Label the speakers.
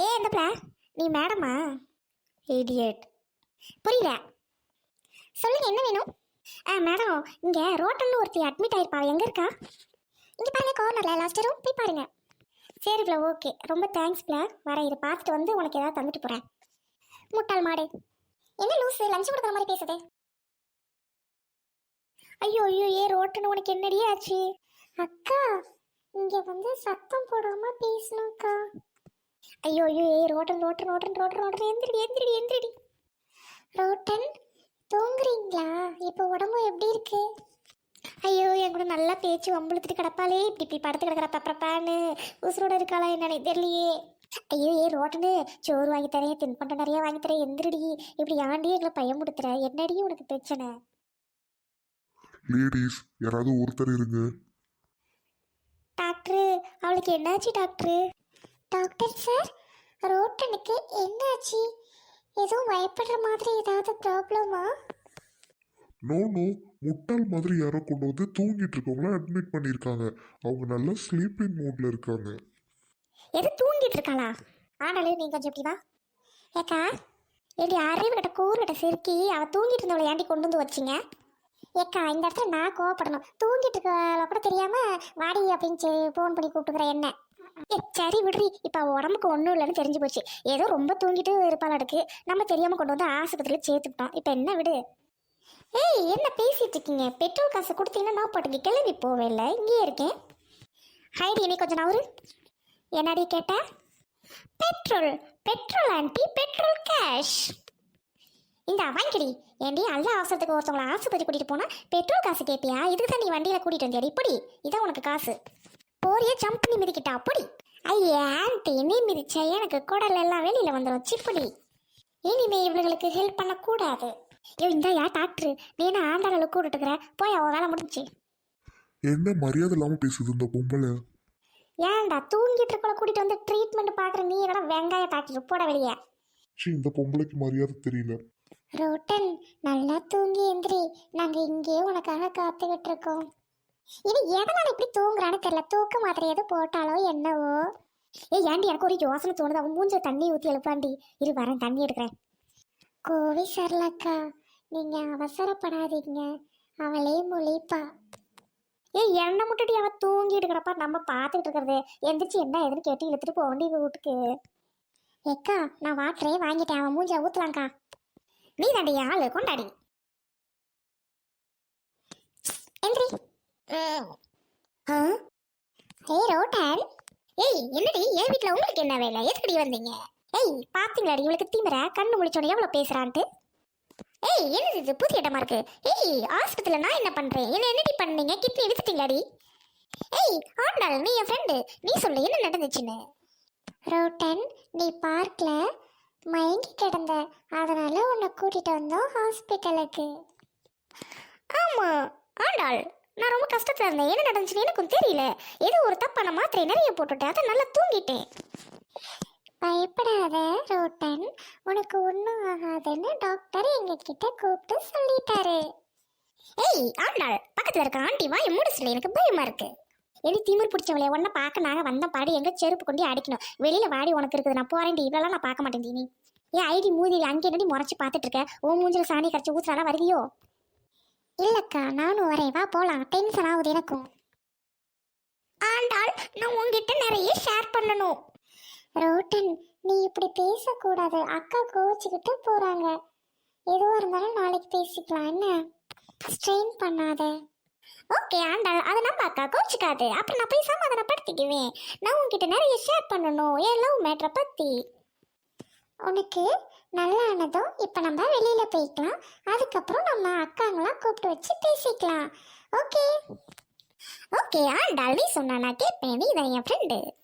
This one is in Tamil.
Speaker 1: ஏ எந்தப்ல நீ மேடமா? இடியட். புரியல. சொல்லுங்க, என்ன வேணும்? மேடம், இங்க ரோட்டல்னு ஒருத்தி அட்மிட் ஆயிருப்பா, எங்க இருக்கா? இங்க பாருங்க, கார்னர்ல லாஸ்ட் ரூம் போய் பாருங்க. சரி பிளா, ஓகே, ரொம்ப தேங்க்ஸ் பிளா. வரேன், இதை பார்த்துட்டு வந்து உனக்கு ஏதாவது தந்துட்டு போறேன். முட்டாள் மாடு. என்ன லூசு, லஞ்ச் கொடுக்குற மாதிரி பேசுது. ஐயோ ஐயோ, ஏ ரோட்டன்னு உனக்கு என்னடி ஆச்சு? அக்கா, இங்க வந்து சத்தம் போடாம பேசணும்க்கா. ஐயோ ஐயோ, ஏ ரோட்டன் ரோட்டன் ரோட்டன் ரோட்டன் ரோட்டன், எந்திரடி எந்திரடி எந்திரடி. ரோட்டன், தூங்குறீங்களா? இப்போ உடம்பு எப்படி இருக்கு? ஐயோ, என் கூட நல்லா பேச்சு வம்புழுத்துட்டு கிடப்பாளே, இப்படி இப்படி படுத்து கிடக்குற பப்பரப்பான்னு. உசுரோட இருக்காளா என்னன்னு தெரியலையே. ஐயோ, ஏ ரோட்டனு, சோறு வாங்கி தரேன், தின்பண்டம் நிறைய வாங்கி தரேன், எந்திரடி. இப்படி ஆண்டி எங்களை பையன் கொடுத்துற, என்னடி உனக்கு பிரச்சனை?
Speaker 2: லேடிஸ் யாராவது ஒருத்தர் இருங்க.
Speaker 1: டாக்டரு, அவளுக்கு என்னாச்சு டாக்டரு? டாக்டர் சார், ரோட்டனுக்கு என்னாச்சு? எதுவும் பயப்படுற மாதிரி ஏதாவது ப்ராப்ளமா?
Speaker 2: நோ நோ, முட்டாள் மாதிரி யாரோ கொண்டு வந்து தூங்கிட்டு இருக்கவங்கள அட்மிட் பண்ணியிருக்காங்க. அவங்க நல்லா ஸ்லீப்பிங் மூட்ல இருக்காங்க.
Speaker 1: எது தூங்கிட்டு இருக்காளா? ஆனாலும் நீ கொஞ்சம் எப்படி வா. ஏக்கா, எப்படி அறிவு கிட்ட கூறு கிட்ட சிரிக்கி அவ தூங்கிட்டு இருந்தவளை ஏண்டி கொண்டு வந்து வச்சிங்க? ஏக்கா, இந்த இடத்துல நான் கோவப்படணும். தூங்கிட்டு இருக்க கூட தெரியாம வாடி அப்படின்னு ஃபோன் பண்ணி கூப்பிட்டுக்கிற என்ன? சரி விடுறி, இப்போ அவள் உடம்புக்கு ஒன்றும் இல்லைன்னு தெரிஞ்சு போச்சு. ஏதோ ரொம்ப தூங்கிட்டு இருப்பாளுக்கு, நம்ம தெரியாமல் கொண்டு வந்து ஆஸ்பத்திரியில் சேர்த்துக்கிட்டோம். இப்போ என்ன விடு. ஏய், என்ன பேசிட்டு இருக்கீங்க? பெட்ரோல் காசு கொடுத்தீங்கன்னா நான் பாட்டுக்கு கிளம்பி போவே இல்லை, இங்கேயே இருக்கேன். ஹைடி, நீ கொஞ்சம் நவரு. என்னடி கேட்ட? Petrol petrol aunty, petrol cash. இந்த வாங்கிக்கடி. ஏண்டி, அல்ல அவசரத்துக்கு ஒருத்தவங்களை ஆஸ்பத்திரி கூட்டிகிட்டு போனால் பெட்ரோல் காசு கேட்பியா? இதுக்கு தான் நீ வண்டியில் கூட்டிகிட்டு வந்தியாடி. இப்படி இதான் உனக்கு காசு. போறிய ஜம்ப் பண்ணி மிதிக்கிட்டா அப்படி. ஐயா ஆண்டி, நீ மிதிச்சா எனக்கு குடல் எல்லாம் வெளியில் வந்துடும். சிப்படி, இனிமே இவங்களுக்கு ஹெல்ப் பண்ணக்கூடாது. ஐயோ, இந்த யா டாக்டரு, நீ என்ன ஆண்டாளு கூட்டிட்டு இருக்கிற? போய் அவன் வேலை முடிஞ்சு.
Speaker 2: என்ன மரியாதை இல்லாம பேசுது இந்த பொம்பளை?
Speaker 1: ஏன்டா தூங்கிட்டு இருக்கல கூட்டிட்டு வந்து ட்ரீட்மெண்ட் பாக்குற நீ என்னடா வெங்காய டாக்டர்? போட வெளியே.
Speaker 2: இந்த பொம்பளைக்கு மரியாதை தெரியல.
Speaker 1: ரோட்டன், நல்லா தூங்கி எந்திரி, நாங்க இங்கே உனக்காக காத்துக்கிட்டு இருக்கோம். இது எதனால இப்படி தூங்குறான்னு தெரியல. தூக்க மாத்திரை எது போட்டாலோ என்னவோ. ஏண்டி, எனக்கு ஒரு யோசனை தோணுது. அவன் மூஞ்ச தண்ணி ஊற்றி எழுப்பாண்டி. இரு வரேன், தண்ணி எடுக்கிறேன். கோவி சரலக்கா, நீங்க அவசரப்படாதீங்க, அவளே முழிப்பா. எண்ணெய் முட்டுடி, அவன் தூங்கிட்டு இருக்கிறப்ப நம்ம பார்த்துக்கிட்டு இருக்கிறது. எந்திரிச்சு என்ன எதுன்னு கேட்டு இழுத்துட்டு போக வேண்டிய வீட்டுக்கு. ஏக்கா, நான் வாட்டரே வாங்கிட்டேன், அவன் மூஞ்ச ஊத்தலாங்க்கா. நீ தாண்டி ஆளு, கொண்டாடி. எந்திரி. ஏய் ரோட்டன், ஏய் என்னடி, என் வீட்டில் உங்களுக்கு என்ன வேலை? எதுக்கடி வந்தீங்க? ஏய், பார்த்தீங்களாடி இவளுக்கு தீவிர கண்ணு முழிச்சோட எவ்வளோ பேசுறான்ட்டு. ஏய், என்னது இது புதிய இடமா இருக்கு? ஏய், ஆஸ்பத்திரியில் நான் என்ன பண்றேன்? என்னடி பண்ணீங்க? கிட்னி எடுத்துட்டீங்களாடி? ஏய் ஆண்டாள், நீ என் ஃப்ரெண்டு, நீ சொல்லு என்ன நடந்துச்சுன்னு. ரோட்டன், நீ பார்க்கல மயங்கி கிடந்த, அதனால உன்னை கூட்டிட்டு வந்தோம் ஹாஸ்பிட்டலுக்கு. ஆமா ஆண்டாள், நான் ரொம்ப கஷ்டத்துல இருந்தேன். என்ன நடந்துச்சுன்னு எனக்கும் தெரியல. ஏதோ ஒரு தப்பான மாத்திரை நிறைய போட்டுட்டேன், அதை நல்லா தூங்கிட்டேன். பயப்படாத ரோட்டன், உனக்கு ஒன்றும் ஆகாதுன்னு டாக்டர் எங்ககிட்ட கூப்பிட்டு சொல்லிட்டாரு. ஏய் ஆண்டாள், பக்கத்துல இருக்க ஆண்டி வாயை மூடிச்சுல, எனக்கு பயமா இருக்கு. எடி திமிர் பிடிச்சவளே, உன்னை பார்க்க நாங்கள் வந்த பாடி எங்க செருப்பு கொண்டு அடிக்கணும். வெளியில வாடி உனக்கு இருக்குது, நான் போறேன். இவ்வளோலாம் நான் பார்க்க மாட்டேன். நீ ஏன் ஐடி மூதி அங்கே என்னடி முறைச்சு பார்த்துட்டு இருக்க? ஓ மூஞ்சில் சாணி கரைச்சி ஊத்துறாலாம் வருவியோ? இல்லக்கா, நானும் வரேன், வா போலாம். டென்ஷன் ஆகுது எனக்கும். ஆண்டாள், நான் உங்ககிட்ட நிறைய ஷேர் பண்ணணும். ரோட்டன், நீ இப்படி பேசக்கூடாது. அக்கா கோவிச்சுக்கிட்டு போறாங்க. எதுவாக இருந்தாலும் நாளைக்கு பேசிக்கலாம், என்ன ஸ்ட்ரெயின் பண்ணாத. ஓகே ஆண்டாள், அதை நம்ம அக்கா கோச்சிக்காது. அப்புறம் நான் போய் சமாதானப்படுத்திக்குவேன். நான் உங்ககிட்ட நிறைய ஷேர் பண்ணணும் என் லவ் மேட்ரை பற்றி. உனக்கு நல்லா ஆனதும் இப்போ நம்ம வெளியில் போய்க்கலாம். அதுக்கப்புறம் நம்ம அக்காங்களாம் கூப்பிட்டு வச்சு பேசிக்கலாம். ஓகே ஓகே ஆண்டாள், நீ சொன்னா நான் கேட்பேன். நீ தான் என் ஃப்ரெண்டு.